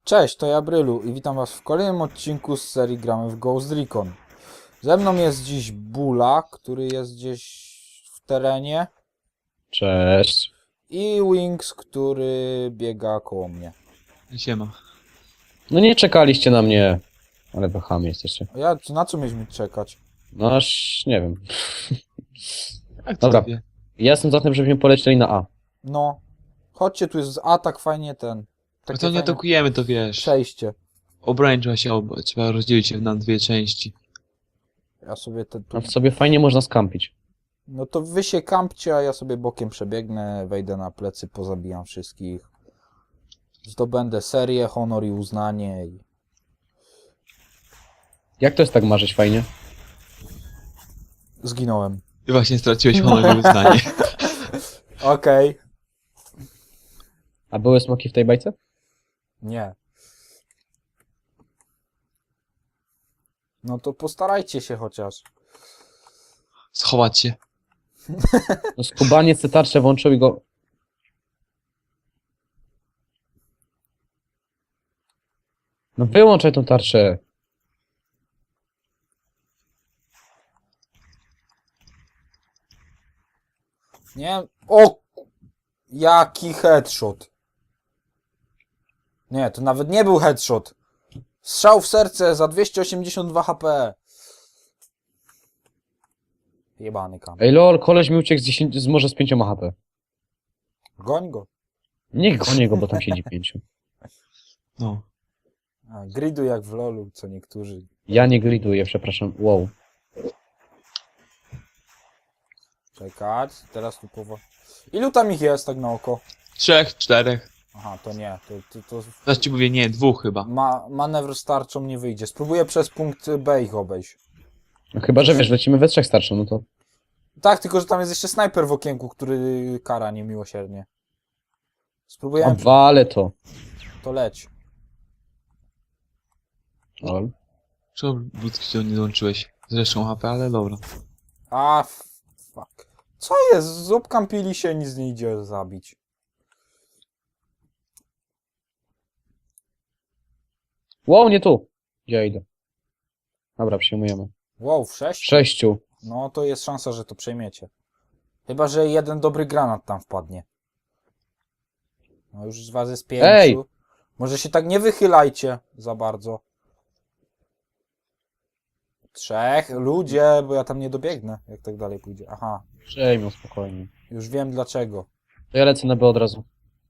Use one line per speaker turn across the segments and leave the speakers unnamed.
Cześć, to ja Brylu i witam was w kolejnym odcinku z serii Gramy w Ghost Recon. Ze mną jest dziś Bula, który jest gdzieś w terenie,
Cześć.
i Wings, który biega koło mnie.
Siema.
No nie czekaliście na mnie, ale wahami jesteście.
Na co mieliśmy czekać?
No aż nie wiem.
Jak to
Dobra.
wie?
Ja jestem za tym, żebyśmy polecieli na A.
No, chodźcie, tu jest atak, fajnie
No
takie
to nie
fajne
atakujemy, to wiesz.
przejście.
Obrań trzeba rozdzielić się na dwie części.
Ja sobie tu...
A w sobie fajnie można skampić.
No to wy się kampcie, a ja sobie bokiem przebiegnę, wejdę na plecy, pozabijam wszystkich. Zdobędę serię, honor i uznanie i...
Jak to jest tak marzyć fajnie?
Zginąłem.
Ty właśnie straciłeś honor i uznanie.
Okej.
A były smoki w tej bajce?
Nie. No to postarajcie się chociaż.
Schować się.
No skubaniec te tarcze włączył i go... No wyłączaj tą tarczę.
Nie? O! Jaki headshot. Nie, to nawet nie był headshot. Strzał w serce za 282 HP. Jebany kam.
Ej lol, koleś mi uciekł może z 5 HP.
Goń go.
Niech gonię go, bo tam siedzi 5.
No.
A, gridu jak w lolu, co niektórzy.
Ja nie gliduję, przepraszam. Wow.
Czekać, teraz tu Ilu tam ich jest tak na oko?
3, 4.
Aha, to nie. To
Zaraz ci mówię, nie, 2 chyba.
manewr z tarczą nie wyjdzie. Spróbuję przez punkt B ich obejść.
No chyba, że wiesz, lecimy we trzech starczą, no to...
Tak, tylko że tam jest jeszcze snajper w okienku, który kara niemiłosiernie. Spróbujemy,
Wale to.
to leć.
Lol.
Czemu Budki się nie dołączyłeś? Zresztą HP, ale dobra.
A, fuck. Co jest? Zupkampili się, nic nie idzie zabić.
Wow, nie tu. Gdzie ja idę? Dobra, przyjmujemy.
Wow, w 6?
6.
No to jest szansa, że to przejmiecie. Chyba, że jeden dobry granat tam wpadnie. No już z was jest 5.
Ej!
Może się tak nie wychylajcie za bardzo. 3. Ludzie, bo ja tam nie dobiegnę, jak tak dalej pójdzie. Aha,
Przejmą spokojnie.
już wiem dlaczego.
To ja lecę na B od razu.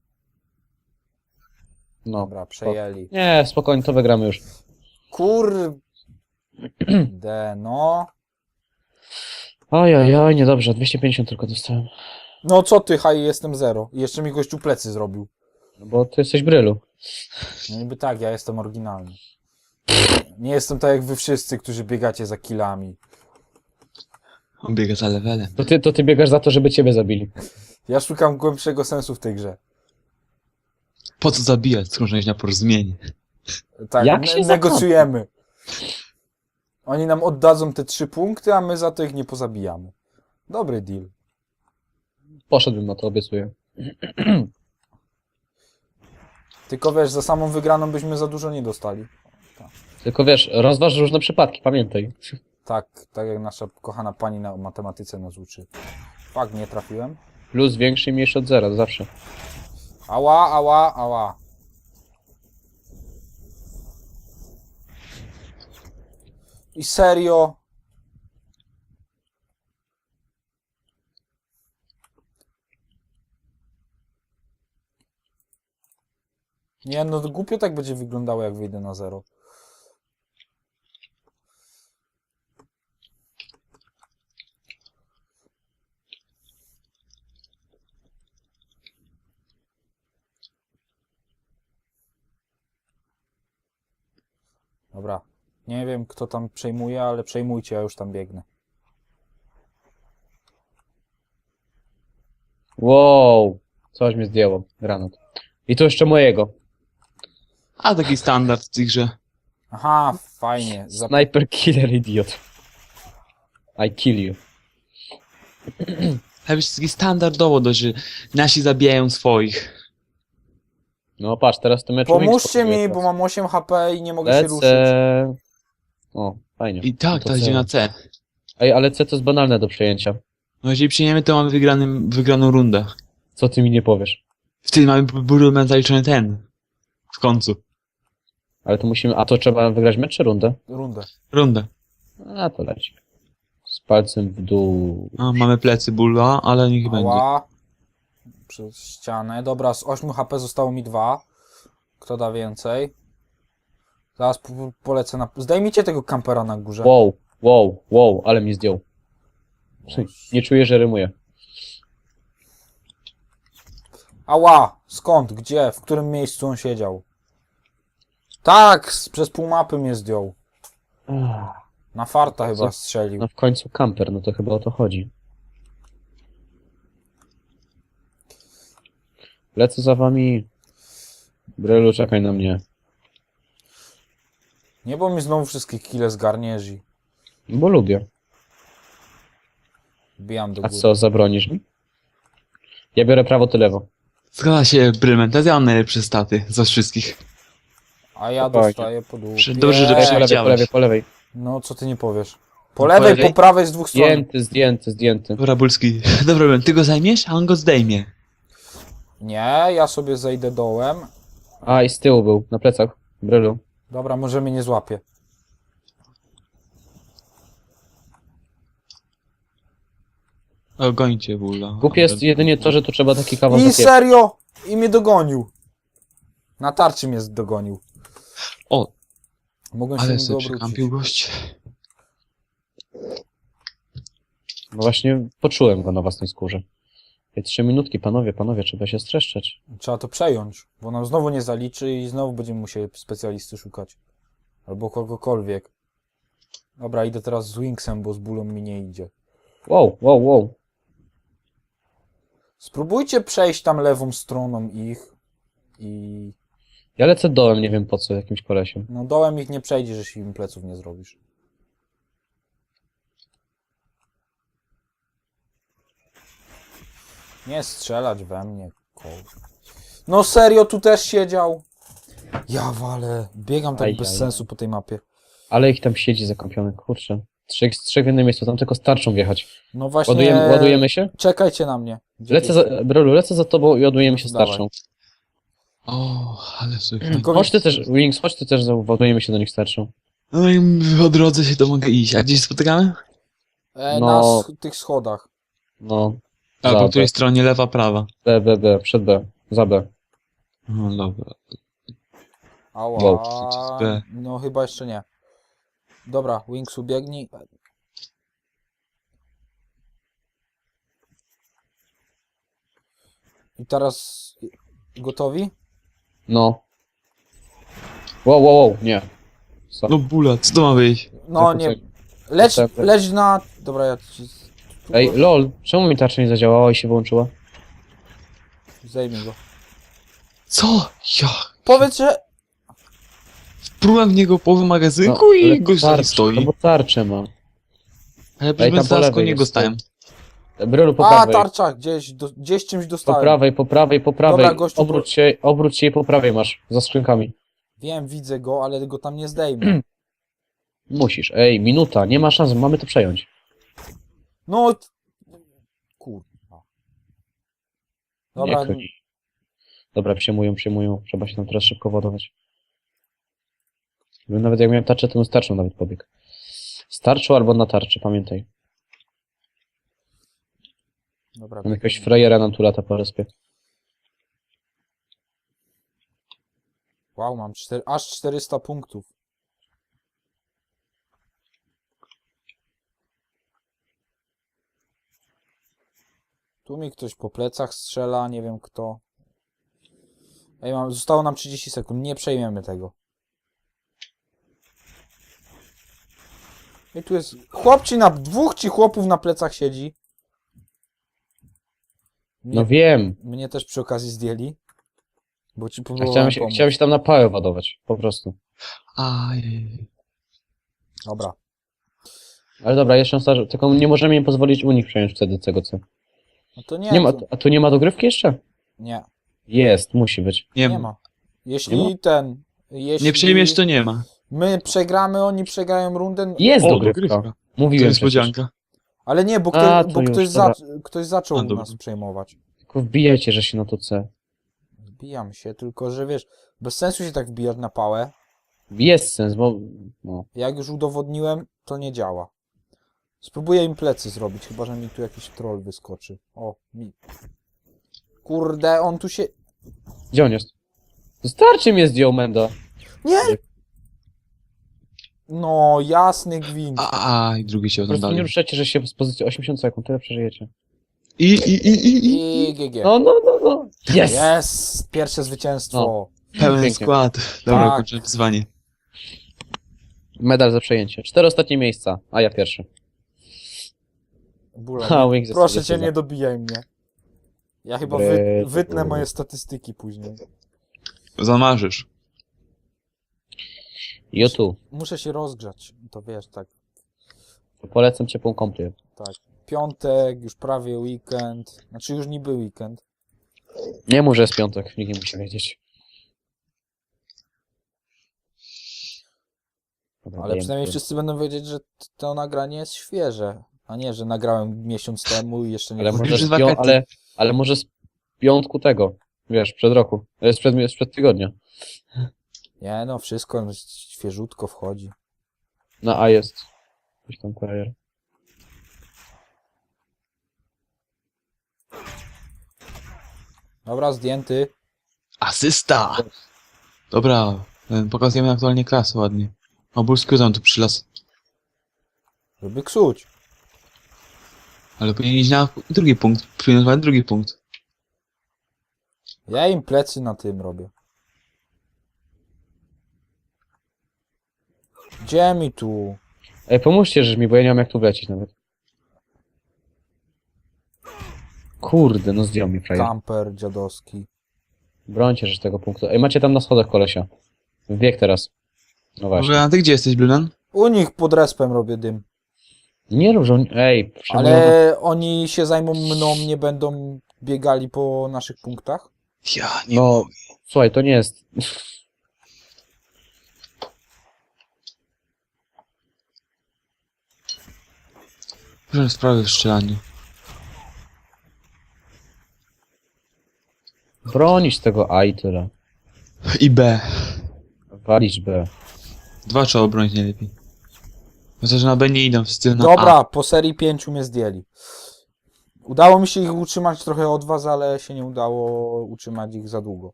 No.
Dobra, przejęli.
Nie, spokojnie, to wygramy już.
Kurde, no.
Ojojoj, niedobrze, 250 tylko dostałem.
No co ty, haj, jestem 0. I jeszcze mi gościu plecy zrobił.
No bo ty jesteś Brylu.
No niby tak, ja jestem oryginalny. Nie jestem tak jak wy wszyscy, którzy biegacie za killami.
On biega za levelem.
To ty biegasz za to, żeby ciebie zabili.
Ja szukam głębszego sensu w tej grze.
Po co zabijać, skoro na porozumienie?
Tak,
Jak się
negocjujemy. Oni nam oddadzą te 3 punkty, a my za to ich nie pozabijamy. Dobry deal.
Poszedłbym na to, obiecuję.
Tylko wiesz, za samą wygraną byśmy za dużo nie dostali.
Tylko wiesz, rozważ różne przypadki, pamiętaj.
Tak, tak jak nasza kochana pani na matematyce nas uczy. Fakt, nie trafiłem.
Plus większy i mniejszy od zera, to zawsze.
Ała, ała, ała. I serio? Nie, no to głupio tak będzie wyglądało, jak wyjdę na 0. Dobra. Nie wiem, kto tam przejmuje, ale przejmujcie, ja już tam biegnę.
Wow, coś mnie zdjęło, granat. I to jeszcze mojego.
A taki standard w tej grze.
Aha, fajnie.
Sniper killer idiot. I kill you.
Chyba jest taki standardowo dość, że nasi zabijają swoich.
No patrz, teraz to mecz
Pomóżcie mi, bo mam 8 HP i nie mogę się ruszyć.
Lecę. O, fajnie.
I tak,
No to
teraz idziemy na C.
Ej, ale C to jest banalne do przejęcia.
No jeżeli przyjmiemy, to mamy wygraną rundę.
Co ty mi nie powiesz?
Wtedy mamy Burulman zaliczony ten. W końcu.
Ale to musimy... A to trzeba wygrać mecz czy rundę?
Rundę.
Rundę.
A, to leci. Z palcem w dół.
A, mamy plecy Bulla, ale niech będzie.
Ała. Przez ścianę. Dobra, z 8 HP zostało mi 2. Kto da więcej? Zaraz polecę na... Zdejmijcie tego kampera na górze.
Wow, ale mi zdjął. Nie czuję, że rymuje.
Ała! Skąd? Gdzie? W którym miejscu on siedział? Tak! Przez pół mapy mnie zdjął. Na farta chyba strzelił.
No w końcu kamper, no to chyba o to chodzi. Lecę za wami. Brylu, czekaj na mnie.
Nie, bo mi znowu wszystkie kile zgarniesz i
Bo lubię.
wbijam do
A
góry.
co, zabronisz mi? Ja biorę prawo, ty lewo.
Zgadza się, Brylman, teraz ja mam najlepsze staty z was wszystkich.
A ja
Spokojnie.
dostaję po dół.
Dobrze, że
Po lewej,
przewidziałeś.
po lewej.
No, co ty nie powiesz? Po lewej,
lewej?
po prawej z dwóch stron.
Zdjęty.
Dobra, Bulski. Dobra, Brylman, ty go zajmiesz, a on go zdejmie.
Nie, ja sobie zejdę dołem.
A, i z tyłu był, na plecach. Brylu.
Dobra, może mnie nie złapie.
O, gońcie Bulla.
Głupie jest jedynie to, że tu trzeba taki kawał
I
zapieprzeć.
serio! I mnie dogonił. Na tarczy mnie dogonił.
O,
Mogłem się
ale
niego
sobie
obrócić.
przekampił gość.
No właśnie poczułem go na własnej skórze. Ej, 3 minutki, panowie, trzeba się streszczać.
Trzeba to przejąć, bo nam znowu nie zaliczy i znowu będziemy musieli specjalisty szukać. Albo kogokolwiek. Dobra, idę teraz z Wingsem, bo z bólą mi nie idzie.
Wow.
Spróbujcie przejść tam lewą stroną ich i...
Ja lecę dołem, nie wiem po co, jakimś kolesiem.
No dołem ich nie przejdziesz, jeśli im pleców nie zrobisz. Nie strzelać we mnie, No serio, tu też siedział? Ja walę. Biegam tak bez sensu po tej mapie.
Ale ich tam siedzi zakąpiony, kurczę. Trzech w jednym miejscu, tam tylko starczą wjechać.
No właśnie...
Ładujemy się?
Czekajcie na mnie. Gdzie
Brolu, lecę za tobą i ładujemy się
Dawaj.
starczą.
O, ale sobie.
Chodź ty też, Wings, chodź ty też, ładujemy się do nich starczą.
No i po drodze się to mogę iść. A gdzie się spotykamy?
Na
No.
tych schodach.
No.
A
Za
po
B.
której stronie lewa, prawa?
B, przed B, za B.
No dobra.
Ała.
Wow,
przeciw B.
No chyba jeszcze nie. Dobra, Wings ubiegnij. I teraz gotowi?
No. Wow, nie. Co?
No Bulla, co to ma być?
No
Tak,
nie.
tak.
Leć,
Tak, tak.
leć na... Dobra, ja ci...
Ej, lol, czemu mi tarcza nie zadziałała i się wyłączyła?
Zdejmij go.
Co? Ja.
Powiedz, że...
Wprułem w niego połowę magazynku
No,
i
ale
gość tam
tarczę,
stoi.
No bo tarczę ma.
Ale
Ej,
przecież
tam po
zaraz
lewej
go niego
jest,
stałem.
Brolu, po
A,
prawej.
tarcza, gdzieś czymś
Po
dostałem.
prawej.
Dobra, gościu,
Obróć się i po prawej masz, za skrzynkami.
Wiem, widzę go, ale go tam nie zdejmę.
Musisz, ej, minuta, nie ma szans, mamy to przejąć.
No... Kurwa.
Nie
Dobra,
koni. Dobra, przyjmują, trzeba się tam teraz szybko ładować. Nawet jak miałem tarczę, to bym starczą nawet pobiegł. Starczą albo na tarczy, pamiętaj.
dobra.
Mam jakiegoś frajera nam tu lata po respie.
Wow, mam aż 400 punktów. Tu mi ktoś po plecach strzela, nie wiem kto. Ej, zostało nam 30 sekund, nie przejmiemy tego. I tu jest... Dwóch ci chłopów na plecach siedzi.
No wiem,
Mnie też przy okazji zdjęli. Bo ci
a
próbowałem pomóc.
chciałem się tam na pałę ładować, po prostu.
Ajej.
Dobra.
Ale dobra, jeszcze raz, tylko nie możemy im pozwolić u nich przejąć wtedy tego co.
No to nie.
Nie ma,
to...
a tu nie ma dogrywki jeszcze?
Nie.
Jest, musi być.
Nie,
Nie
ma.
ma. Jeśli ten... Jeśli
Nie przejmiesz, to nie ma.
my przegramy, oni przegrają rundę...
Jest
O,
dogrywka.
dogrywka. To
Mówiłem przecież.
niespodzianka.
Ale nie, bo,
A,
ktoś,
to
bo
już,
ktoś,
dobra.
ktoś zaczął
A, dobra.
nas przejmować.
Tylko wbijajcie, że się na to C.
Wbijam się, tylko że wiesz, bez sensu się tak wbijać na pałę.
Jest sens, bo... No.
Jak już udowodniłem, to nie działa. Spróbuję im plecy zrobić, chyba że mi tu jakiś troll wyskoczy. O, mi. Kurde, on tu się...
Gdzie on jest? Starczy mnie zdjął, Mendo.
Nie! No, jasny gwint.
I drugi się
Po prostu nie
oglądali.
ruszajcie, że się z pozycji 80 sekund, tyle przeżyjecie.
I GG.
No. Yes!
Jest! Pierwsze zwycięstwo.
Pełen
Pięknie.
skład. Dobra,
Tak.
kończę wyzwanie.
Medal za przejęcie. 4 ostatnie miejsca, a ja pierwszy.
Bula,
Ha,
nie,
Wings
proszę
jest
cię,
za.
nie dobijaj mnie. Ja chyba wytnę moje statystyki później.
Zamarzysz.
YouTube.
Muszę się rozgrzać. To wiesz, tak.
Polecam ciepłą kąpiel.
Tak. Piątek, już prawie weekend. Znaczy już niby weekend.
Nie mów, że jest piątek, nikt nie musi wiedzieć. Dobra,
Ale
dajemy
przynajmniej
tu.
wszyscy będą wiedzieć, że to nagranie jest świeże. A nie, że nagrałem miesiąc temu i jeszcze nie
Ale
było.
może,
Już
z
wakaty.
ale może z piątku tego, wiesz, przed roku. Sprzed tygodnia.
Nie no, wszystko świeżutko wchodzi.
Na A jest. Coś tam kurier.
Dobra, zdjęty.
Asysta! Dobra, pokazujemy aktualnie klasę ładnie. O, Bulski tam tu przylas.
Żeby ksuć.
Ale powinien iść na drugi punkt. Przyjmować drugi punkt.
Ja im plecy na tym robię. Gdzie mi tu?
Ej, pomóżcie, że mi, bo ja nie mam jak tu wlecieć nawet. Kurde, no zdjął mi frajer.
Kamper dziadowski.
Brońcie, że z tego punktu. Ej, macie tam na schodach kolesia. Wbieg teraz. No właśnie.
Dobra, a ty gdzie jesteś, Blunan?
U nich pod respem robię dym.
Nie rób, że oni... Ej, przejmują...
Ale oni się zajmą mną, nie będą biegali po naszych punktach?
Ja nie
No,
mogę.
słuchaj, to nie jest...
Proszę sprawy w strzelaniu.
Bronić tego A i tyle.
I B.
Walić B.
Dwa trzeba obronić najlepiej. Chociaż na B nie idą wszyscy na
Dobra,
A.
po serii 5 mnie zdjęli. Udało mi się ich utrzymać trochę od was, ale się nie udało utrzymać ich za długo.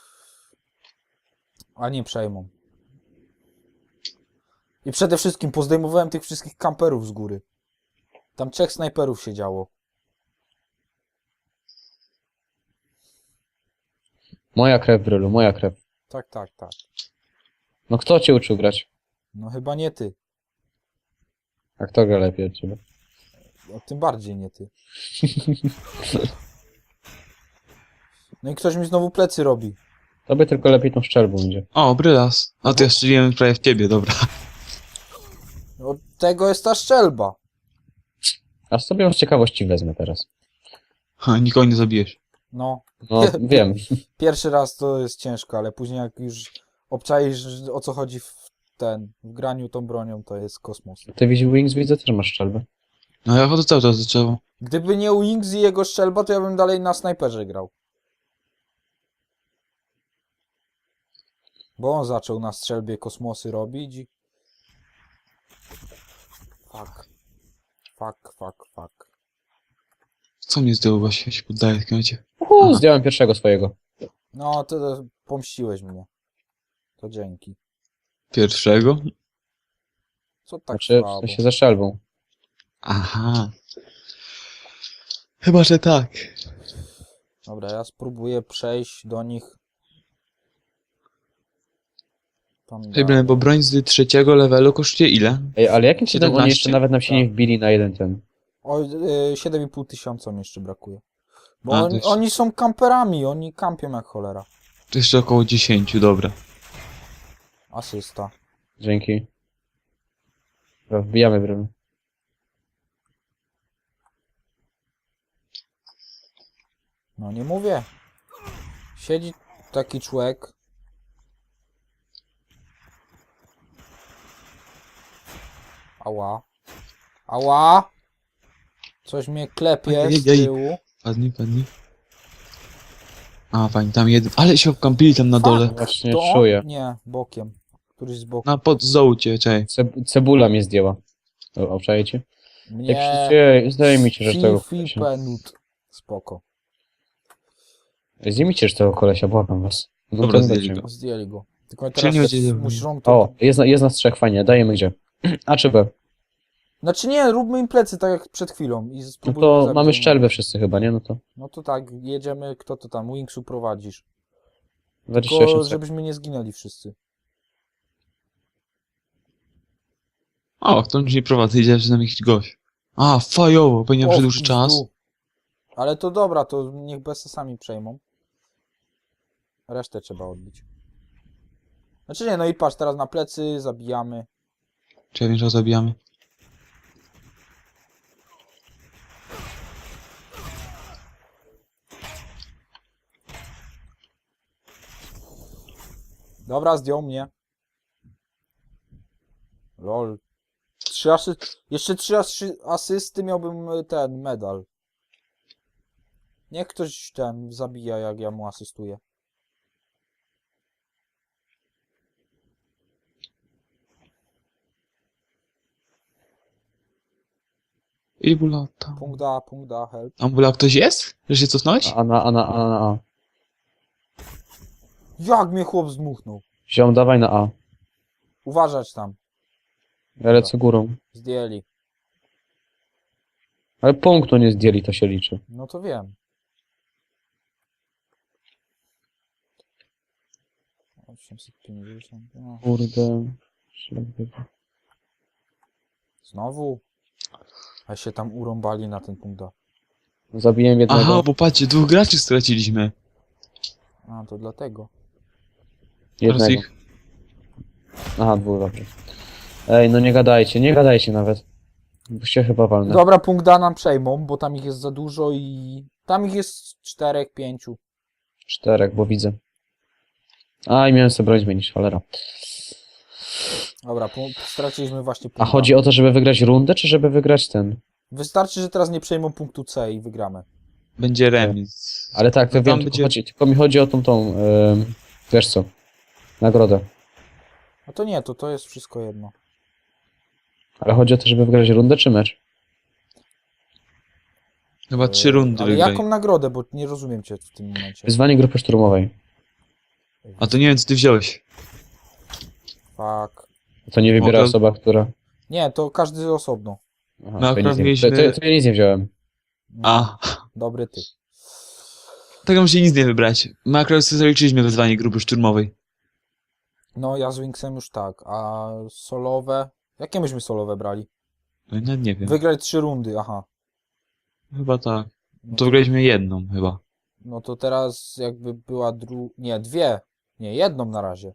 A nie przejmą. I przede wszystkim pozdejmowałem tych wszystkich kamperów z góry. Tam 3 snajperów siedziało.
Moja krew, Brylu, moja krew.
Tak, tak, tak.
No kto cię uczył grać?
No chyba nie ty.
A kto gra lepiej od ciebie?
No, tym bardziej nie ty. No i ktoś mi znowu plecy robi.
Tobie tylko lepiej tą szczelbą będzie.
O, brylas. A to ja strzeliłem prawie w ciebie, dobra.
Od tego jest ta szczelba.
Aż sobie z ciekawości wezmę teraz.
Ha, nikogo nie zabijesz.
No,
No, wiem.
pierwszy raz to jest ciężko, ale później jak już obczaisz o co chodzi w graniu tą bronią, to jest kosmos.
Ty widzisz Wings, widzę, też masz strzelbę.
No ja chodzę cały czas do drzewa.
Gdyby nie Wings i jego strzelba, to ja bym dalej na snajperze grał. Bo on zaczął na strzelbie kosmosy robić i... Fuck. Fuck.
Co mnie zdjął właśnie? Ja się poddaję w końcu.
Aha. Zdjąłem pierwszego swojego.
No, to pomściłeś mnie. To dzięki.
Pierwszego?
Co tak
Znaczy, w
słabo?
sensie ze strzelbą.
Aha. Chyba, że tak.
Dobra, ja spróbuję przejść do nich. Tam
Problem, bo broń z trzeciego levelu kosztuje ile?
Ej, ale jakim cudem oni
17?
jeszcze nawet nam się nie wbili na jeden ten?
O, 7,5 tysiąca mi jeszcze brakuje. Bo
A, to
oni,
jeszcze-
oni są kamperami, oni kampią jak cholera.
To jeszcze około 10, dobra.
Asysta.
Dzięki. Dobra, wbijamy brylu.
No nie mówię. Siedzi taki człowiek. Ała. Ała! Coś mnie klepie z
Ojej.
tyłu.
Padnij. A, fajnie, tam jeden. Ale się obkampili tam na dole.
Właśnie
To on?
czuję.
Nie, bokiem. Któryś z boku.
Na pod zołcie, czekaj.
Cebula mnie zdjęła. Obczajecie?
Nie.
Zdaje mi się, że tego
Fifi
kolesia.
penut. Spoko.
Zdejmijcie już tego kolesia, błagam was.
Dobra,
Ten
zdjęli
będzie.
go.
Zdjęli go. Tylko
Czyli nie
teraz
będzie-
musisz rąk to...
O, jest nas trzech, fajnie, dajemy gdzie? A czy B?
Znaczy nie, róbmy im plecy tak jak przed chwilą. I
No
spróbujmy
to
zabić
mamy
jednego.
szczelbę wszyscy chyba, nie? No to
No to tak, jedziemy, kto to tam, Wingsu prowadzisz.
28
Tylko
sekund.
żebyśmy nie zginęli wszyscy.
O, to już nie prowadzę, idzie że tam jakiś gość. A, fajowo, pewnie
O,
przedłuży
w
czas.
pizdu. Ale to dobra, to niech BS sami przejmą. Resztę trzeba odbić. Znaczy nie, no i patrz, teraz na plecy, zabijamy.
Czy ja wiem, że zabijamy?
Dobra, zdjął mnie. Lol. Jeszcze 3 asysty miałbym ten medal. Niech ktoś ten zabija, jak ja mu asystuję.
Ibulata.
Punkt da, help.
Ambula ktoś jest? Że się cofnąć?
A.
Jak mnie chłop zdmuchnął.
Ziom, dawaj na A.
Uważać tam.
Ja lecę górą.
Zdjęli.
Ale punktu nie zdjęli, to się liczy.
No to wiem. 850. No.
Kurde.
Znowu? A się tam urąbali na ten punkt A.
Zabiłem jednego.
Aha, bo patrzcie, 2 graczy straciliśmy.
A, to dlatego.
Teraz
Jednego.
ich.
Aha, 2, dobrze. Ej, no nie gadajcie nawet. Bo się chyba walnę.
Dobra, punkt A nam przejmą, bo tam ich jest za dużo i... Tam ich jest 4, 5.
4, bo widzę. A, i miałem sobie broń zmienić, cholera.
Dobra, straciliśmy właśnie punkt
A chodzi o to, żeby wygrać rundę, czy żeby wygrać ten?
Wystarczy, że teraz nie przejmą punktu C i wygramy.
Będzie remis.
Ale tak, to
No tam
wiem,
będzie-
tylko mi chodzi o tą, wiesz co, nagrodę.
A to nie, to jest wszystko jedno.
Ale chodzi o to, żeby wygrać rundę, czy mecz?
Chyba 3 rundy
Ale
wygrali.
jaką nagrodę, bo nie rozumiem cię w tym momencie.
Wyzwanie grupy szturmowej.
A to nie wiem, co ty wziąłeś.
Fuck.
To nie wybiera
to-
osoba, która...
Nie, to każdy osobno.
Aha,
No,
to, nic
akurat
nie...
mieliśmy-
to ja nic nie wziąłem.
A,
Dobry ty.
tak musi nic nie wybrać. My akurat sobie zaliczyliśmy wezwanie grupy szturmowej.
No, ja z Wingsem już tak, a solowe... Jakie myśmy solowe brali?
No, nawet nie wiem.
Wygrać 3 rundy, aha.
Chyba tak.
No
To wygraliśmy jedną chyba.
No to teraz jakby była Nie, 2. Nie, 1 na razie.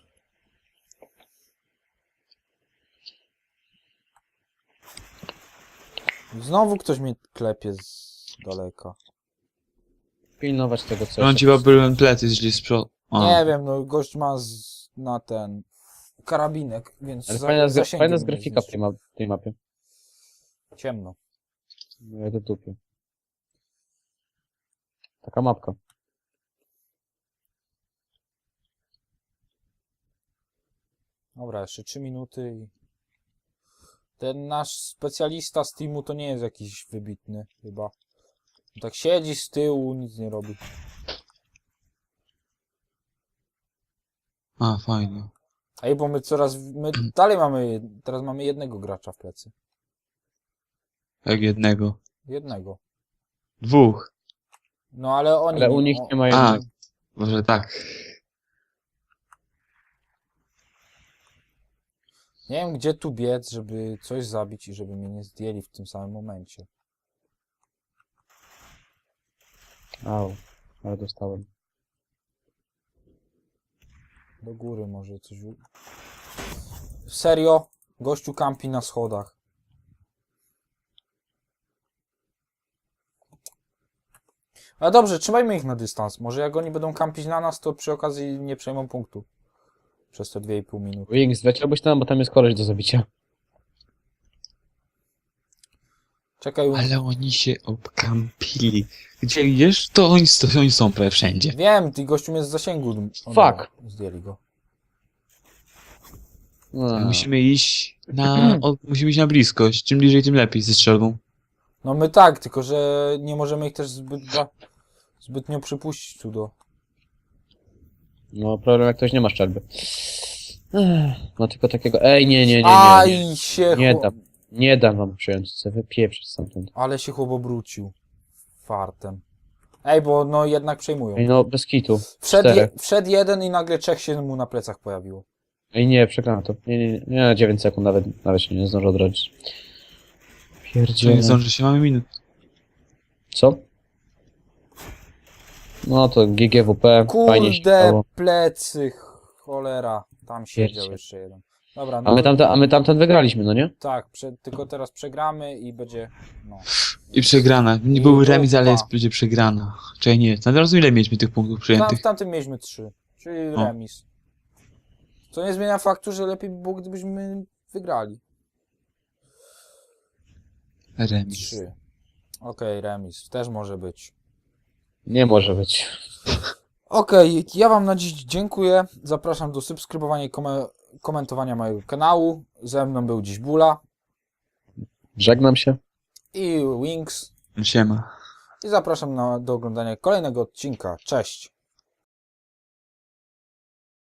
Znowu ktoś mnie klepie z daleka.
Pilnować tego, co
On
jest.
ci chyba byłem plecy, jeśli z przodu.
Nie wiem, no gość ma na ten karabinek, więc
Ale
zasięgiem
fajna jest
mnie
grafika w
zniszczy.
tej mapie.
Ciemno.
No jak do dupy. Taka mapka.
Dobra, jeszcze 3 minuty i... Ten nasz specjalista z teamu to nie jest jakiś wybitny chyba. Tak siedzi z tyłu, nic nie robi.
A, fajnie.
Ej, bo my dalej teraz mamy jednego gracza w plecy.
Jak jednego.
Jednego.
2.
No ale oni...
Ale u nich nie ma
A,
jednego.
może tak.
Nie wiem, gdzie tu biec, żeby coś zabić i żeby mnie nie zdjęli w tym samym momencie.
Au, ale dostałem.
Do góry może coś... Serio? Gościu kampi na schodach. Ale dobrze, trzymajmy ich na dystans. Może jak oni będą kampić na nas, to przy okazji nie przejmą punktu. Przez te 2,5 minuty.
Wings, leciałbyś tam, bo tam jest koleś do zabicia.
Czekaj,
Ale oni się obkampili. Gdzie idziesz, to oni są prawie wszędzie.
wiem, ty gościu jest z zasięgu. O,
Fuck.
dobra, zdjęli go.
Musimy iść musimy iść na bliskość. Czym bliżej, tym lepiej ze strzelbą.
No my tak, tylko że nie możemy ich też zbytnio przypuścić tu do...
No, problem jak ktoś nie ma szczelby. No tylko takiego... Ej, nie.
Aj się
Nie
chłop...
dam. Nie dam wam przyjąć, chcę wypieprzyć stamtąd.
Ale się chłop obrócił. Fartem. Ej, bo no jednak przejmują.
Ej, no, bez kitu.
Wszedł,
Czterech.
wszedł jeden i nagle 3 się mu na plecach pojawiło.
Ej, nie, przegrałem to. Nie, 9 sekund, nawet się nie zdążę odrodzić.
Czy nie
Pierdzielę.
zdąży się, mamy minut.
Co? No to GGWP, fajnie się
Kurde,
stało.
plecy, cholera. Tam siedział
Pierdzie.
jeszcze jeden. Dobra,
A
no
my tamten wygraliśmy, no nie?
tak, tylko teraz przegramy i będzie, no.
I przegrana. Nie
I
był remis, ale
dupa.
będzie przegrana. Czyli nie, na razu ile mieliśmy tych punktów
W
przyjętych?
tamtym mieliśmy 3, czyli
O.
remis. Co nie zmienia faktu, że lepiej by było, gdybyśmy wygrali.
Remis.
3. Okej, remis. Też może być.
Nie może być.
Okej, ja wam na dziś dziękuję. Zapraszam do subskrybowania i komentowania mojego kanału. Ze mną był dziś Bula
Żegnam się.
i Wings.
Siema.
I zapraszam do oglądania kolejnego odcinka. Cześć!